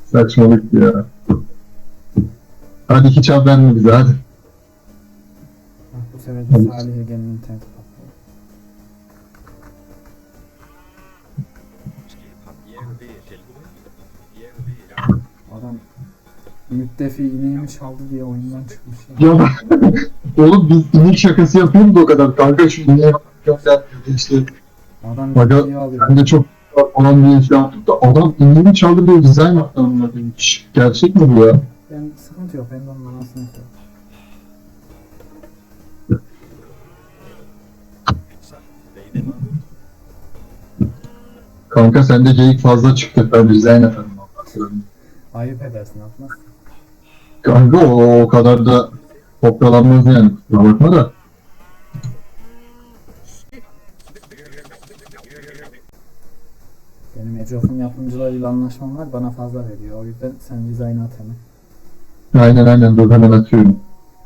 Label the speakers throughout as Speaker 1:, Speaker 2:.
Speaker 1: Saçmalık ya. Hadi hiç haber mi bize hadi.
Speaker 2: Bak bu sefer de Salih Ege'nin interneti patlıyor. Adam müttefi ineğimi çaldı diye oyundan çıkmış ya.
Speaker 1: Ya oğlum biz inek şakası yapıyoruz da o kadar. Kanka şu ineğe gönder işte.
Speaker 2: Adam
Speaker 1: Aga
Speaker 2: ciddiye alıyor.
Speaker 1: ben de çok falan diye şey yaptık da adam ineğini çaldı diye dizayn yaptı anladım. Gerçek mi bu ya?
Speaker 2: Ben sıkıntı yok. Ben de onun anasını yapıyorum.
Speaker 1: Kanka sende geyik fazla çıktı. Ben dizayn efendim.
Speaker 2: Ayıp edersin atmaz.
Speaker 1: Kanka o kadar da kopyalanmaz yani. Kusura bakma da.
Speaker 2: Benim Ecof'un yapımcılarıyla anlaşmam var. Bana fazla veriyor. O yüzden sen dizaynı at hemen.
Speaker 1: Aynen dur hemen atıyorum.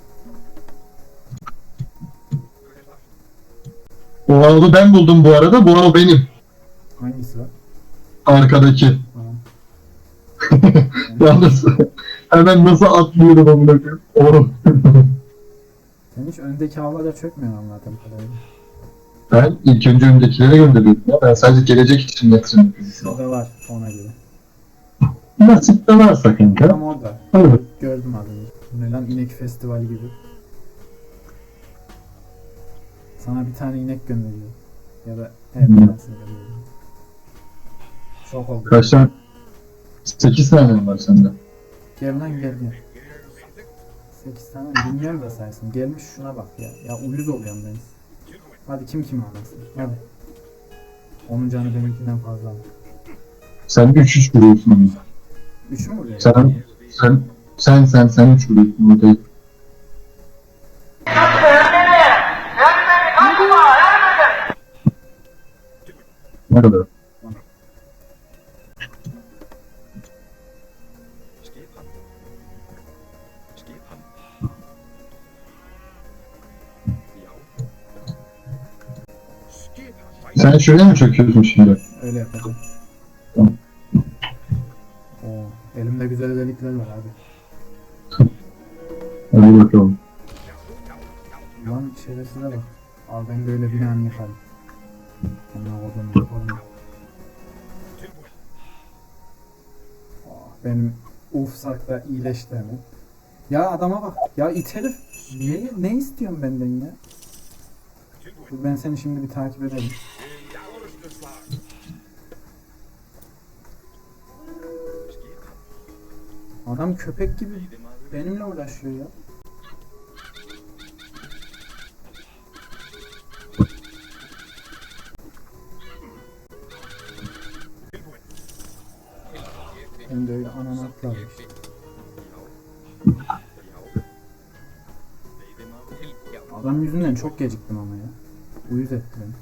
Speaker 1: O avlu ben buldum bu arada. Bu av benim.
Speaker 2: Hangisi var?
Speaker 1: Arkadaki.
Speaker 2: Tamam.
Speaker 1: Yalnız hemen nasıl atlıyorum amına koyayım. Oğlum.
Speaker 2: Sen hiç öndeki avlara çökmüyorsun anladığım kadarıyla.
Speaker 1: Ben ilk önce öndekilere gönderiyorum ya. Ben sadece gelecek için yatırım yapıyorum.
Speaker 2: Şurada var ona göre.
Speaker 1: Nasip de varsa kanka.
Speaker 2: Tam orada.
Speaker 1: Evet.
Speaker 2: Gördüm az önce. Ne lan inek festivali gibi. Sana bir tane inek gönderiyor. Ya da her bir tanesini gönderiyor. Şok oldum.
Speaker 1: Kaç tane? 8 tane mi var sende?
Speaker 2: Gel lan gel. 8 tane bilmiyorum da saysın. Gelmiş şuna bak ya. Ya uyuz oluyorum ben. Hadi kim kimi anlasın. Hadi. Onun canı benimkinden fazla.
Speaker 1: Sen 3 vuruyorsun.
Speaker 2: 3 mü vuruyor?
Speaker 1: Sen 3 vuruyorsun. Burada. Ne kadar? Sen şuraya mı çöküyorsun şimdi?
Speaker 2: Öyle yapacağım.
Speaker 1: Tamam.
Speaker 2: Oo, elimde güzel özellikler var abi.
Speaker 1: Hadi bakalım.
Speaker 2: Lan şerefsize bak. Al ben böyle binanı yıkarım. Ona oradan yaparım. Benim ufsakta iyileşti hemen. Ya adama bak. Ya it herif. Ne istiyorsun benden ya? Dur ben seni şimdi bir takip ederim. Adam köpek gibi benimle uğraşıyor ya. Hem de öyle ananı atlarmış. Adam yüzünden çok geciktim ama ya. Uyuz etti beni.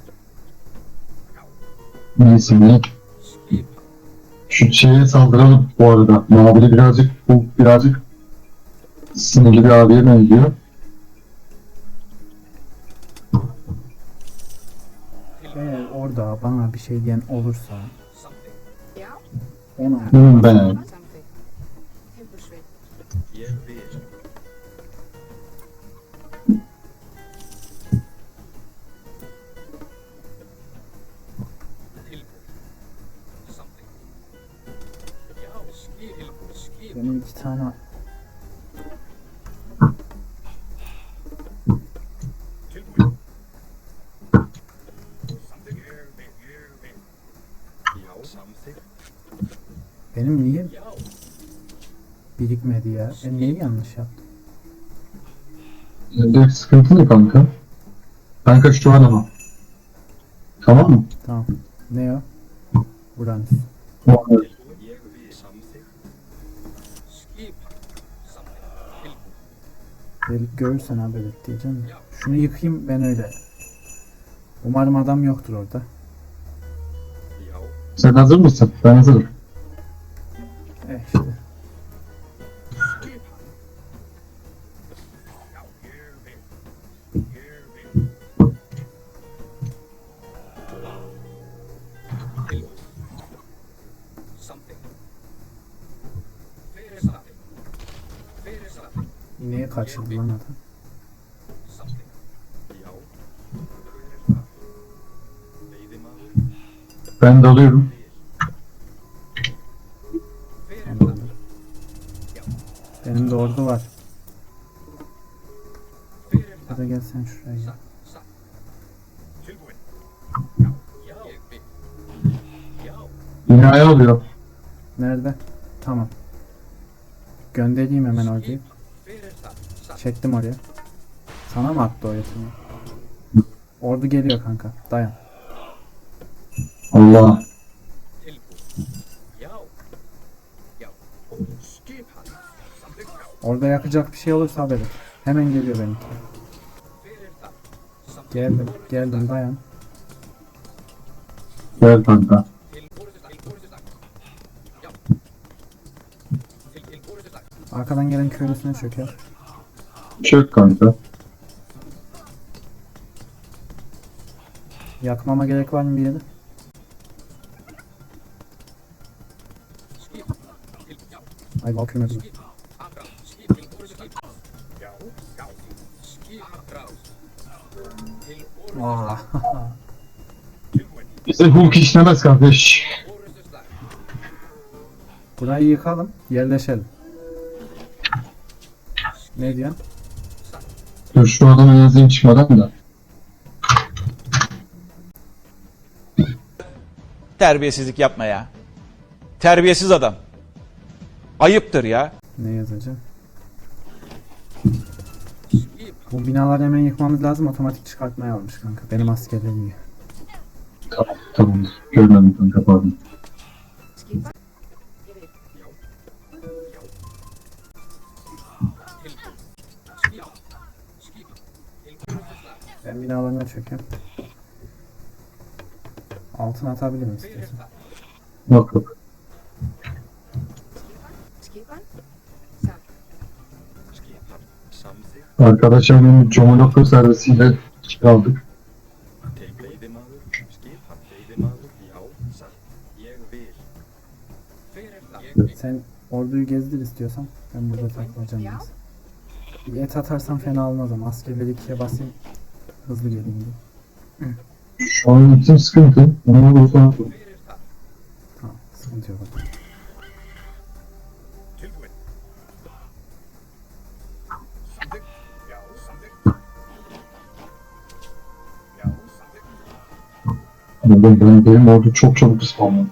Speaker 1: Neyse ne? Şu şeye saldıralım bu arada. Mavili birazcık sinirli bir abiye benziyor.
Speaker 2: Eğer orada bana bir şey diyen olursa ona
Speaker 1: Ben.
Speaker 2: benim 2 tane benim niye birikmedi ya? Ben neyi yanlış yaptım?
Speaker 1: Sende sıkıntı ne kanka? Kanka şu an ama. Tamam mı?
Speaker 2: Tamam. Ne o? Uranüs. Delik görürsen haber et diyeceğim. Şunu yıkayayım ben öyle. Umarım adam yoktur orada.
Speaker 1: Sen hazır mısın? Ben hazırım.
Speaker 2: İşte. İneği kaçırdı lan adam.
Speaker 1: Ben dalıyorum.
Speaker 2: Anladım. Benim de ordu var. Ya da gel sen şuraya.
Speaker 1: Binaya alıyor.
Speaker 2: Nerede? Tamam. Göndereyim hemen orayı. Çektim oraya. Sana mı attı o yetimi? Ordu geliyor kanka. Dayan.
Speaker 1: Allah.
Speaker 2: Orada yakacak bir şey olursa haber et. Hemen geliyor benimki. Geldim dayan.
Speaker 1: Gel kanka.
Speaker 2: Arkadan gelen köylüsüne çöker.
Speaker 1: Çök kanka.
Speaker 2: Yakmama gerek var mı bir yere? Ay bakıyorum hepsine. Aa.
Speaker 1: Bize Hulk işlemez kardeş.
Speaker 2: Burayı yıkalım, yerleşelim. Ne diyorsun?
Speaker 1: Dur şu adama yazayım çıkmadan da.
Speaker 3: Terbiyesizlik yapma ya. Terbiyesiz adam. Ayıptır ya.
Speaker 2: Ne yazacağım? Bu binaları hemen yıkmamız lazım. Otomatik çıkartmaya almış kanka. Benim askerlerim iyi.
Speaker 1: Tamam tamam. Görmedim kanka pardon.
Speaker 2: Ben binalarına çökeyim. Altına atabilirim istiyorsan.
Speaker 1: Yok yok. Arkadaşımın Comolokko servisiyle aldık.
Speaker 2: Sen orduyu gezdir istiyorsan. Ben burada takılacağım biraz. Bir et atarsan fena olmaz ama askerleri ikiye basayım. Hızlı geleyim diye.
Speaker 1: Şu an için sıkıntı. Onu bulsana.
Speaker 2: Tamam, sıkıntı yok.
Speaker 1: Benim orada çok çabuk ıspanladı.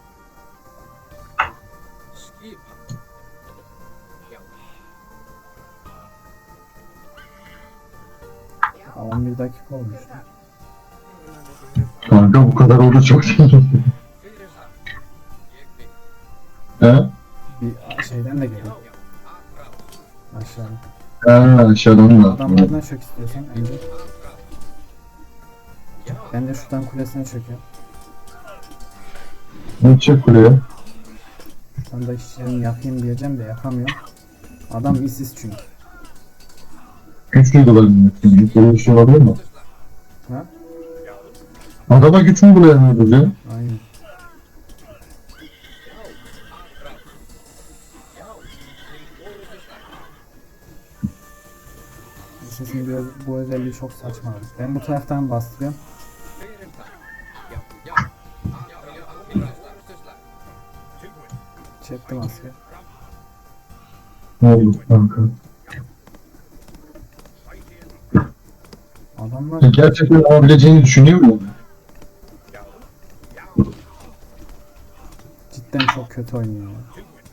Speaker 2: Aa, 11 dakika olmuş.
Speaker 1: Kanka bu kadar oldu çok değil. He?
Speaker 2: Bir şeyden de geliyor. Aşağıdan.
Speaker 1: Ha aşağıdan da.
Speaker 2: Adamlardan çök istiyorsan önce. Ben de şuradan kulesine çöküyorum.
Speaker 1: Ne çık kuleye?
Speaker 2: Şuradan da işçilerimi yakayım diyeceğim de yakamıyorum. Adam işsiz çünkü.
Speaker 1: Güç duygularını yapayım. Böyle bir şey olabilir mi?
Speaker 2: Ha?
Speaker 1: Adama güç mü bulayamıyoruz ya?
Speaker 2: Aynen. Sesin bu özelliği çok saçma. Ben bu taraftan bastırıyorum. Çektim asker.
Speaker 1: Ne oldu kanka?
Speaker 2: Adamlar
Speaker 1: Gerçekten olabileceğini düşünüyor musun?
Speaker 2: cidden çok kötü oynuyor ya.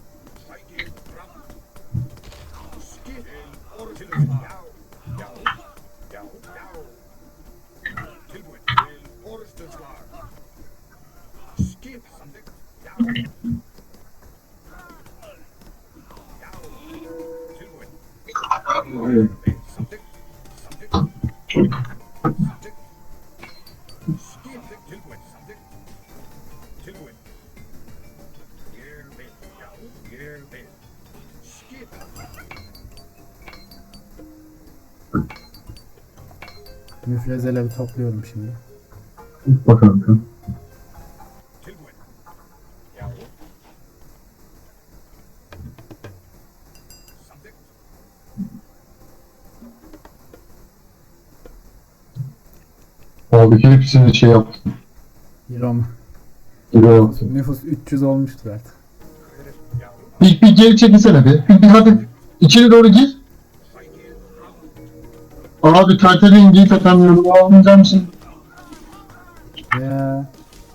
Speaker 2: Müfrezeleri topluyorum şimdi.
Speaker 1: Bak kanka. Abi hepsini şey yaptım.
Speaker 2: Roma.
Speaker 1: Gibi yaptım.
Speaker 2: Nüfus 300 olmuştur artık.
Speaker 1: Bir geri çekilsene bir hadi. İçeri doğru gir. Abi Tartar'ın giyip atanları almayacak mısın?
Speaker 2: Ya.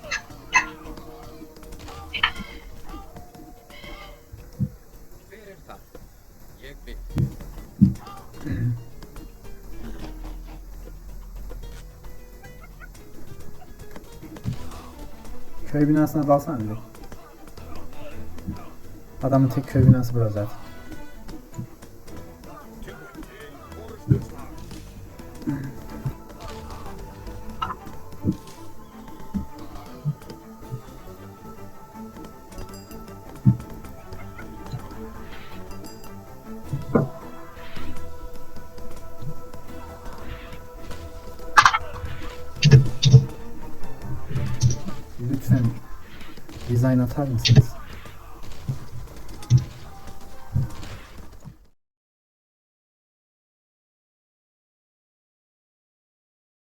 Speaker 2: Köy binasına dalsana direkt. Adamın tek köy binası burası zaten. Lütfen design atar mısınız?